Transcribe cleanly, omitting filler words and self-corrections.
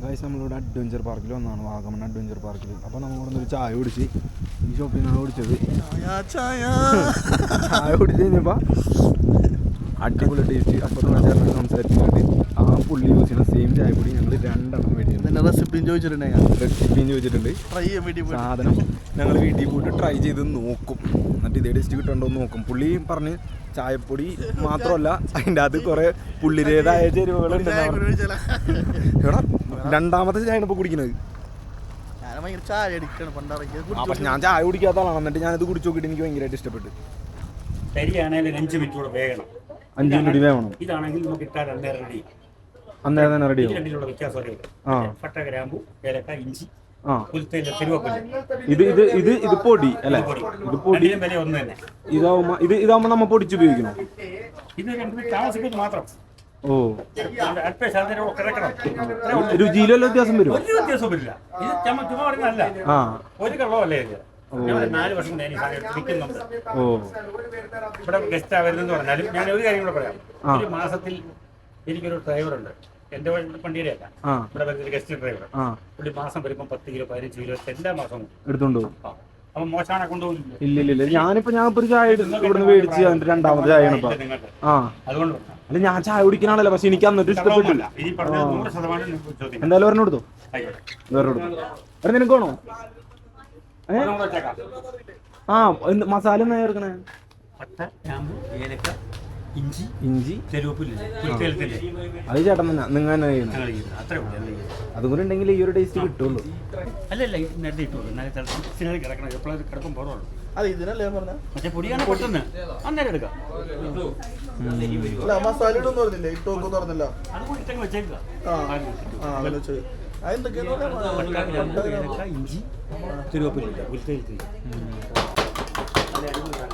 Guys നമ്മളിവിടെ adventure പാർക്കിൽ വന്നതാണ്, വാഗമൺ അഡ്വഞ്ചർ പാർക്കിൽ. അപ്പോൾ നമ്മളിവിടെ ഒരു ചായ കുടിച്ച് ഈ ഷോപ്പിൽ നിന്നാണ് കുടിച്ചത്. ചായ കുടിച്ച് കഴിഞ്ഞപ്പോൾ അടിപൊളി ടേസ്റ്റ്. അപ്പുറത്ത് ചേട്ടൻ സംസാരിച്ചിട്ടുണ്ട്. ആ പുള്ളി യൂസ് ചെയ്യുന്ന സെയിം ചായപ്പൊടി ഞങ്ങൾ 2 എണ്ണം മേടിച്ചിട്ടുണ്ട്. റെസിപ്പിയും ചോദിച്ചിട്ടുണ്ട്. സാധനം ഞങ്ങൾ വീട്ടിൽ പോയിട്ട് ട്രൈ ചെയ്ത് നോക്കും, എന്നിട്ട് ഇതേ ടേസ്റ്റ് കിട്ടുന്നുണ്ടോ എന്ന് നോക്കും. പുള്ളി പറഞ്ഞ് ചായപ്പൊടി മാത്രമല്ല അതിൻ്റെ അത് കുറേ പുള്ളിയുടേതായ ചേരുവകളുണ്ട്. എടാ രണ്ടാമത്തെ ചായ ഇപ്പോൾ കുടിക്കുന്നത്. പക്ഷെ ഞാൻ ചായ കുടിക്കാത്ത ആളാണ്, എന്നിട്ട് ഞാനിത് കുടിച്ചു നോക്കിയിട്ട് എനിക്ക് ഭയങ്കരമായിട്ട് ഇഷ്ടപ്പെട്ടു. 5 മിനിറ്റ് കൂടെ വേകണം. 5 മിനിറ്റ് വേണം. ഇതാണെങ്കിൽ നമുക്ക് ഇട്ടാൽ അന്നേരം റെഡി. അന്നേരം തന്നെ റെഡി ആവും. രണ്ടിലുള്ള വ്യത്യാസം പട്ട, ഗ്രാമ്പു, ഏലക്ക, ഇഞ്ചി, ഇത് പൊടി അല്ലേ? ഇത് പൊടി വില ഒന്ന് തന്നെ. ഇതാവുമ്പോ നമ്മ പൊടിച്ചുപയോഗിക്കണം. ഇത് 2 മിനിറ്റ് താമസിക്കുന്നത് മാത്രം. ഓ, രുചിയിലല്ലോ വ്യത്യാസം വരും? ഒരു വ്യത്യാസവും വരില്ല. ഇത് ചുമ്മാ പറയുന്നതല്ല, ഒരു കള്ളമല്ലേ ഇത്. 4 വർഷം വിൽക്കുന്നുണ്ട്. ഇവിടെ ഗസ്റ്റ് വരുന്നെന്ന് പറഞ്ഞാലും ഞാൻ ഒരു കാര്യം കൂടെ പറയാം. ഒരു മാസത്തിൽ എനിക്കൊരു ഡ്രൈവറുണ്ട്, എന്റെ വണ്ടിയുടെ അല്ല, ഇവിടെ വരുന്ന ഗസ്റ്റ് ഡ്രൈവർ. ഒരു മാസം വരുമ്പോൾ 10 കിലോ 15 കിലോ എല്ലാ മാസവും എടുത്തോണ്ട് പോകും. അപ്പൊ മോശമാണ് കൊണ്ടുപോകില്ല. ഇല്ല, ഞാനിപ്പോ ഒരു ചായ ഇവിടുന്ന് മേടിച്ച് അതിന്റെ 2ാമത്തെ ചായയാണ് ഇപ്പൊ. അതുകൊണ്ട് അല്ല, ഞാൻ ചായ കുടിക്കണല്ലോ, പക്ഷെ എനിക്ക് അന്നിട്ട് ഇഷ്ടപ്പെട്ടില്ല. എന്തായാലും ഒരെണ്ണം എടുത്തോ, നിനക്ക് വേണോ? മസാല എന്നാ ചേർക്കണേ? ഇഞ്ചി അത് ചേട്ടൻ തന്നെ നിങ്ങൾ തന്നെ അതും കൂടി ഉണ്ടെങ്കിൽ ഈ ഒരു ടേസ്റ്റ് കിട്ടുള്ളൂ. അല്ലല്ല, പൊടിയാണ് പൊട്ടുന്നത്, അന്നേരം എടുക്കാം. ഇഞ്ചി, കരുവേപ്പില,